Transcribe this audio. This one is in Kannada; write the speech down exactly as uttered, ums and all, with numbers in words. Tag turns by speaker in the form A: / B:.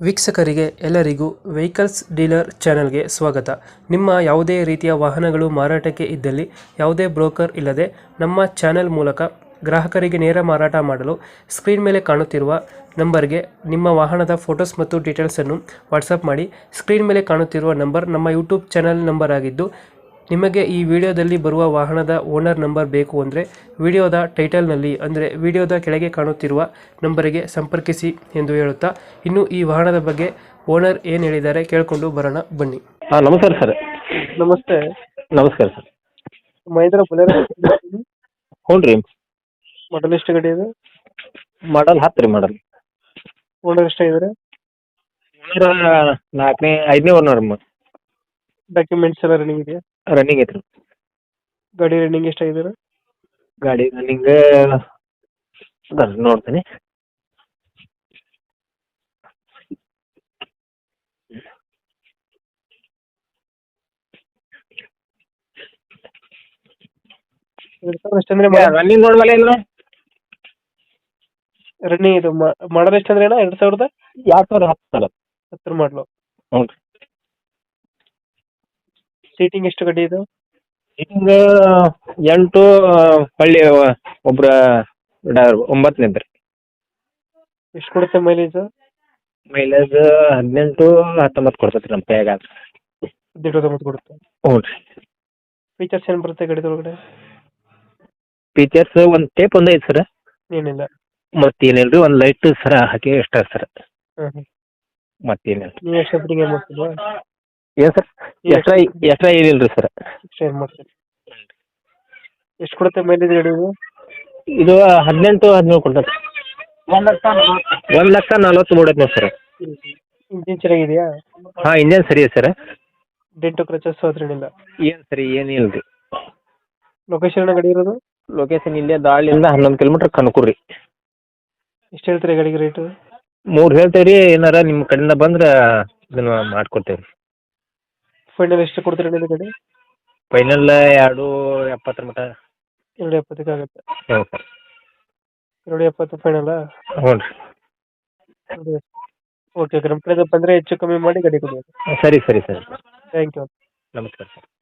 A: ವೀಕ್ಷಕರಿಗೆ ಎಲ್ಲರಿಗೂ ವೆಹಿಕಲ್ಸ್ ಡೀಲರ್ ಚಾನೆಲ್ಗೆ ಸ್ವಾಗತ. ನಿಮ್ಮ ಯಾವುದೇ ರೀತಿಯ ವಾಹನಗಳು ಮಾರಾಟಕ್ಕೆ ಇದ್ದಲ್ಲಿ ಯಾವುದೇ ಬ್ರೋಕರ್ ಇಲ್ಲದೆ ನಮ್ಮ ಚಾನೆಲ್ ಮೂಲಕ ಗ್ರಾಹಕರಿಗೆ ನೇರ ಮಾರಾಟ ಮಾಡಲು ಸ್ಕ್ರೀನ್ ಮೇಲೆ ಕಾಣುತ್ತಿರುವ ನಂಬರ್ಗೆ ನಿಮ್ಮ ವಾಹನದ ಫೋಟೋಸ್ ಮತ್ತು ಡೀಟೇಲ್ಸನ್ನು ವಾಟ್ಸಪ್ ಮಾಡಿ. ಸ್ಕ್ರೀನ್ ಮೇಲೆ ಕಾಣುತ್ತಿರುವ ನಂಬರ್ ನಮ್ಮ ಯೂಟ್ಯೂಬ್ ಚಾನೆಲ್ ನಂಬರ್ ಆಗಿದ್ದು, ನಿಮಗೆ ಈ ವಿಡಿಯೋದಲ್ಲಿ ಬರುವ ವಾಹನದ ಓನರ್ ನಂಬರ್ ಬೇಕು ಅಂದರೆ ವಿಡಿಯೋದ ಟೈಟಲ್ನಲ್ಲಿ ಅಂದರೆ ವಿಡಿಯೋದ ಕೆಳಗೆ ಕಾಣುತ್ತಿರುವ ನಂಬರಿಗೆ ಸಂಪರ್ಕಿಸಿ ಎಂದು ಹೇಳುತ್ತಾ, ಇನ್ನು ಈ ವಾಹನದ ಬಗ್ಗೆ ಓನರ್ ಏನು ಹೇಳಿದ್ದಾರೆ ಕೇಳಿಕೊಂಡು ಬರೋಣ ಬನ್ನಿ.
B: ಹಾಂ ನಮಸ್ಕಾರ ಸರ್.
A: ನಮಸ್ತೆ.
B: ನಮಸ್ಕಾರ ಸರ್.
A: ಮಹೇಂದ್ರ ಬುಲೆರೋ
B: ಹ್ಞೂ ರೀ.
A: ಮಾಡಲ್ ಎಷ್ಟು ಗಾಡಿ ಇದೆ?
B: ಮಾಡಲ್ ಹತ್ತು ರೀ ಮಾಡಲ್.
A: ಓನರ್ ಎಷ್ಟಾಗಿದ್ದಾರೆ?
B: ಓನರ್ ನಾಲ್ಕನೇ ಐದನೇ ಓನರ್.
A: ಡಾಕ್ಯುಮೆಂಟ್ಸ್ ಎಲ್ಲ ರನ್ನಿಂಗ್ ಇದೆಯಾ?
B: ರನ್ನಿಂಗ್ ಐತ್ರಿ.
A: ಗಾಡಿ ರನ್ನಿಂಗ್ ಎಷ್ಟಾಗಿದ್ದಾರೆ?
B: ಗಾಡಿ ರನ್ನಿಂಗ್ ನೋಡ್ತೀನಿ.
A: ಎಷ್ಟಂದ್ರೆ
B: ರನ್ನಿಂಗ್ ನೋಡ್ಮೇಲೆ ಇಲ್ಲ
A: ರನ್ನಿಂಗ್ ಇದು ಮಾಡಲ್ ಎಷ್ಟಂದ್ರೆ ಅಣ್ಣ? ಎರಡು ಸಾವಿರದ
B: ಎರಡು ಸಾವಿರದ ಹತ್ತು ಸರ್.
A: ಹತ್ತರ ಮಾಡಲು.
B: ಹ್ಞೂ ರೀ.
A: ಸೀಟಿಂಗ್ ಎಷ್ಟು ಗಾಡಿ ಇದು?
B: ಸೀಟಿಂಗ್ ಎಂಟು ಹಳ್ಳಿ ಒಬ್ರ ಒಂಬತ್ತನೇದು ರೀ.
A: ಎಷ್ಟು ಕೊಡುತ್ತೆ ಮೈಲೇಜ್?
B: ಮೈಲೇಜ್ ಹದಿನೆಂಟು ಹತ್ತೊಂಬತ್ತು ಕೊಡ್ತೈತೆ ರೀ ನಮ್ಮ ಕೈಯಾಗ.
A: ಹದಿನೆಂಟು ಹತ್ತೊಂಬತ್ತು ಕೊಡುತ್ತೆ.
B: ಹ್ಞೂ ರೀ.
A: ಫೀಚರ್ಸ್ ಏನು ಬರುತ್ತೆ ಗಾಡಿದೊಳಗಡೆ?
B: ಫೀಚರ್ಸ್ ಒಂದು ಟೇಪ್ ಒಂದು ಐತೆ ಸರ್.
A: ಏನಿಲ್ಲ.
B: ಮತ್ತೇನಿಲ್ಲ ರೀ, ಒಂದು ಲೈಟ್ ಸರ ಹಾಕಿ ಎಷ್ಟ ಸರ್.
A: ಹಾಂ ಹಾಂ.
B: ಮತ್ತೇನಿಲ್ಲ.
A: ನೀವು ಎಷ್ಟು ಫಿಟ್ಟಿಂಗ್ ಏನು ಮಾಡ್ತಿಲ್ವಾ?
B: ಏನು ಸರ್? ಎಕ್ಸ್ಟ್ರಾ ಎಕ್ಸ್ಟ್ರಾ ಏನಿಲ್ಲ ರೀ ಸರ್.
A: ಎಷ್ಟು ಏನು ಮಾಡ್ತೀರಿ? ಎಷ್ಟು ಕೊಡುತ್ತೆ ಮೈಲೇಜ್ ಗಾಡಿ ಇದು?
B: ಇದು ಹದಿನೆಂಟು ಹದಿನೇಳು ಕೊಡ್ತೈತೆ. ಒಂದು ಲಕ್ಷ ಒಂದು ಲಕ್ಷ ನಲ್ವತ್ತು ಮೂಡೈತೆ ನೋಡಿ ಸರ್.
A: ಇಂಜಿನ್ ಚೆನ್ನಾಗಿದೆಯಾ?
B: ಹಾಂ ಇಂಜನ್ ಸರಿ ಇದೆ ಸರ್.
A: ಡೆಂಟು ಕ್ರಚಸ್ ಹತ್ರ ಏನಿಲ್ಲ?
B: ಏನು ಸರಿ ಏನಿಲ್ಲ ರೀ.
A: ಲೊಕೇಶನ್ ಗಾಡಿ ಇರೋದು?
B: ಲೊಕೇಶನ್ ಇಲ್ಲೇ ದಾಳಿಯಿಂದ ಹನ್ನೊಂದು ಕಿಲೋಮೀಟ್ರ್ ಕನಕೂರು ರೀ.
A: ಎಷ್ಟು ಹೇಳ್ತೀರಿ ಗಾಡಿಗೆ ರೇಟು?
B: ಮೂರು ಹೇಳ್ತೇವೆ ರೀ. ಏನಾರ ನಿಮ್ಮ ಕಡೆಯಿಂದ ಬಂದ್ರೆ ಇದನ್ನು ಮಾಡಿಕೊಡ್ತೇವೆ ರೀ.
A: ಫೈನಲ್ ಎಷ್ಟು ಕೊಡ್ತೀರಿ ನೀವು ಗಾಡಿ?
B: ಫೈನಲ್ ಎರಡು ಎಪ್ಪತ್ತರ ಮಟ್ಟ.
A: ಎರಡು ಎಪ್ಪತ್ತಕ್ಕೆ ಆಗುತ್ತೆ.
B: ಹ್ಞೂ ಸರ್.
A: ಎರಡು ಎಪ್ಪತ್ತು ಫೈನಲ್ಲ?
B: ಹ್ಞೂ ರೀ.
A: Okay okay. ನಮ್ಮ ಕಡೆಯಿಂದ ಬಂದರೆ ಹೆಚ್ಚು ಕಮ್ಮಿ ಮಾಡಿ ಗಾಡಿ ಕೊಡಿ.
B: ಸರಿ ಸರಿ ಸರಿ.
A: Thank you.
B: ನಮಸ್ಕಾರ ಸರ್.